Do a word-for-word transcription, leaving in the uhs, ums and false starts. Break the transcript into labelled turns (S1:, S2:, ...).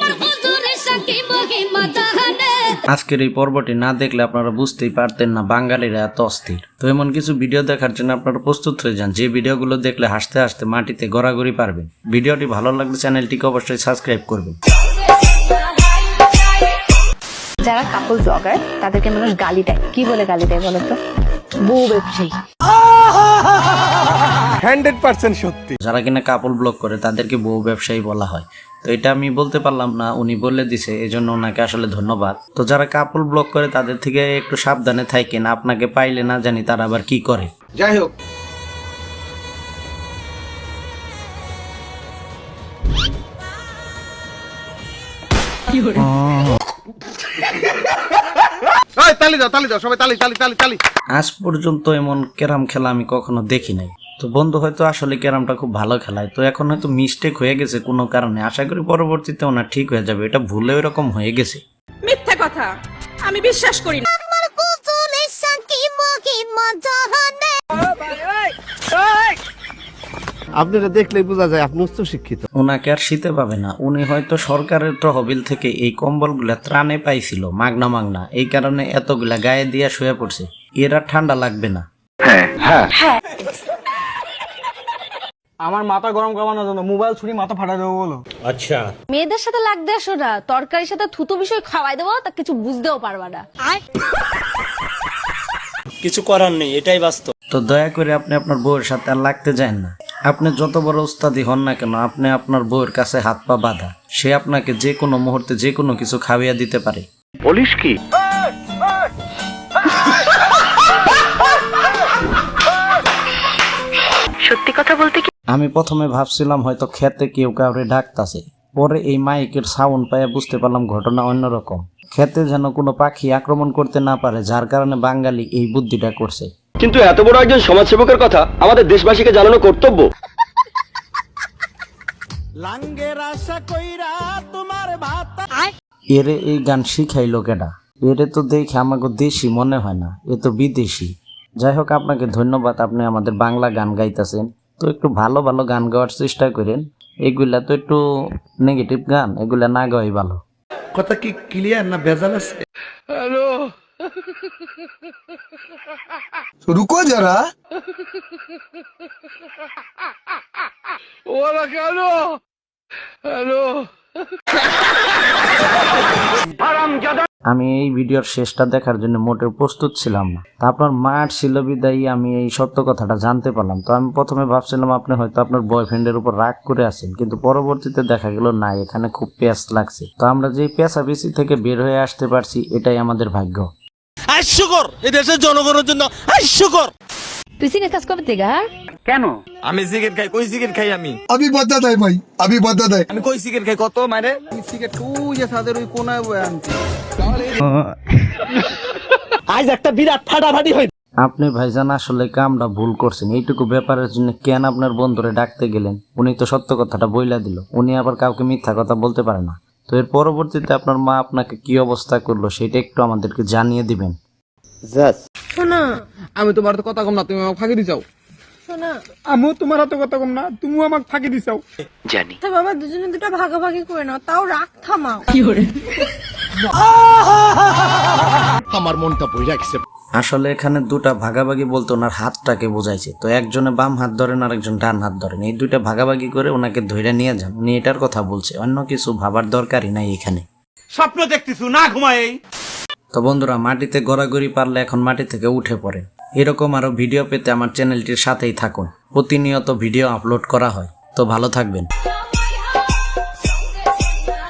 S1: আজকের এই পর্বটি না দেখলে আপনারা বুঝতেই পারতেন না বাঙালিরা এত অস্থির। তো এমন কিছু ভিডিও দেখার জন্য আপনারা প্রস্তুত হয়ে যান, যে ভিডিওগুলো দেখলে হাসতে হাসতে মাটিতে গড়াগড়ি পারবেন। ভিডিওটি ভালো লাগলে চ্যানেলটিকে অবশ্যই সাবস্ক্রাইব করবেন।
S2: যারা কাপল ব্লগার তাদেরকে মানুষ গালি দেয়, কি বলে গালি দেয় বলো তো? বউ ব্যবসায়ী।
S3: হান্ড্রেড পার্সেন্ট সত্যি।
S1: যারা কিনা কাপল ব্লগ করে তাদেরকে বউ ব্যবসায়ী বলা হয়। তো এটা আমি বলতে পারলাম না, উনি বলে দিছে, এই জন্য ওনাকে আসলে ধন্যবাদ। তো যারা কাপল ব্লগ করে তাদের থেকে একটু সাবধানে থাকেন, আপনাকে পাইলে না জানি তারা আবার কি করে।
S3: যাই হোক, তালি দাও তালি দাও সবাই, তালি তালি তালি তালি।
S1: আজ পর্যন্ত এমন ক্যারাম খেলা আমি কখনো দেখি নাই। তো বন্ধু হয়তো আসলে ক্যারামটা খুব ভালো খেলায়, তো এখন হয়তো মিস্টেক হয়ে গেছে কোনো কারণে। আশা করি পরবর্তীতে ওনার ঠিক হয়ে যাবে, এটা ভুলে এরকম হয়ে গেছে।
S4: মিথ্যা কথা, আমি বিশ্বাস করি না।
S3: আপনারা দেখলেই বোঝা যায় আপনি উচ্চ শিক্ষিত।
S1: ওনাকে আর শীতে পাবে না, উনি হয়তো সরকারের তহবিল থেকে এই কম্বলগুলা ত্রাণে পাইছিল মাগনা মাগনা, এই কারণে এতগুলা গায়ে দিয়া শুয়ে পড়ছে। এর আর ঠান্ডা লাগবে না।
S5: আমার মাথা গরম করানোর জন্য মোবাইল ছুরি মাথা ফাটা দেবো বলো।
S1: আচ্ছা,
S2: মেয়েদের সাথে লাগতে আসো না, তরকারির সাথে থুতু বিষয় খাওয়াই দেবো, তা কিছু বুঝতেও পারবা না।
S6: কিছু করার নেই, এটাই বাস্তব।
S1: তো দয়া করে আপনি আপনার বউয়ের সাথে আর লাগতে যান না। আপনি যত বড় উস্তাদি হন না কেন, আপনি আপনার বউয়ের কাছে হাত পা বাঁধা, সে আপনাকে যে কোনো মুহূর্তে যে কোনো কিছু খাওয়িয়ে দিতে পারে।
S3: বলিস কি?
S2: সত্যি কথা বলতে কি,
S1: আমি প্রথমে ভাবছিলাম হয়তো খেতে কেউ কাউরে ডাকতাছে, পরে এই মাইকের সাউন্ড পাইয়া বুঝতে পারলাম ঘটনা অন্যরকম। খেতে যেন কোনো পাখি আক্রমণ করতে না পারে, যার কারণে বাঙালি এই বুদ্ধিটা করছে।
S6: কিন্তু এত বড় একজন সমাজসেবকের কথা আমাদের দেশবাসীকে জানানো কর্তব্য।
S1: এরে এই গান শিখাইলো কেডা? এরে তো দেখে আমাকে দেশি মনে হয় না, এ তো বিদেশি। যাই হোক, আপনাকে ধন্যবাদ, আপনি আমাদের বাংলা গান গাইতেছেন। তো একটু ভালো ভালো গান গাওয়ার চেষ্টা করেন, এগুলা তো একটু নেগেটিভ গান, এগুলা না গাওয়াই ভালো।
S3: কথা কি ক্লিয়ার না ভেজাল আছে?
S6: হ্যালো,
S3: রুকো যারা।
S6: ওরা কেন? হ্যালো,
S1: আমি এই ভিডিওর শেষটা দেখার জন্য মোটেও প্রস্তুত ছিলাম না। তা আপনার মার ছিল বিদায়ী আমি এই সত্য কথাটা জানতে পারলাম। তো আমি প্রথমে ভাবছিলাম আপনি হয়তো আপনার বয়ফ্রেন্ডের উপর রাগ করে আছেন, কিন্তু পরবর্তীতে দেখা গেল না, এখানে খুব পেঁচ লাগছে। তো আমরা যে পেঁচাপেচি থেকে বের হয়ে আসতে পারছি, এটাই আমাদের ভাগ্য।
S6: হাস্যকর, এই দেশের জনগণের জন্য হাস্যকর।
S2: তুই সিগারেট কাজ করবে থেকে?
S5: কেন আমি সিগারেট খাই? কই সিগারেট খাই আমি?
S3: আমি বাধা দেয় ভাই, আমি বাধা দেয়।
S5: আমি কই সিগারেট খাই কত মানে? সিগারেট ওই যে সাদের ওই কোনায় বয়ে আনছি। আজ একটা বিরাট ফাটাফাটি হই।
S1: আপনি ভাইজান আসলে কামটা ভুল করছেন। এইটুকু ব্যাপারের জন্য কেন আপনার বন্ধুরে ডাকতে গেলেন? উনি তো সত্য কথাটা বইলা দিল, উনি আবার কাউকে মিথ্যা কথা বলতে পারে না। তো এর পরবর্তীতে আপনার মা আপনাকে কি অবস্থা করলো সেটা একটু আমাদেরকে জানিয়ে দিবেন।
S4: শোনা,
S5: আমি তোমার তো কথা কম না, তুমি আমাকে ফাঁকি দিছাও।
S4: শোনা,
S5: আমিও তোমার হাতে কথা কম না, তুমিও আমাকে ফাঁকি দিছাও।
S4: আচ্ছা বাবা, দুজনে দুটো ভাগাভাগি করে নাও, তাও রাগ থামাও।
S3: আমার মনটা বই রাখছে।
S1: আসলে এখানে দুটা ভাগাভাগি বলতে ওনার হাতটাকে বোঝাইছে। তো একজনে বাম হাত ধরেন আর একজন ডান হাত ধরেন, এই দুইটা ভাগাভাগি করে ওনাকে ধরে নিয়ে যান, উনি এটার কথা বলছে, অন্য কিছু ভাবার দরকারই নাই এখানে।
S6: স্বপ্ন দেখতেছু না ঘুমাই?
S1: তো বন্ধুরা, মাটিতে গড়াগড়ি পারলে এখন মাটি থেকে উঠে পড়ে। এরকম আরো ভিডিও পেতে আমার চ্যানেলটির সাথেই থাকুন, প্রতিনিয়ত ভিডিও আপলোড করা হয়। তো ভালো থাকবেন।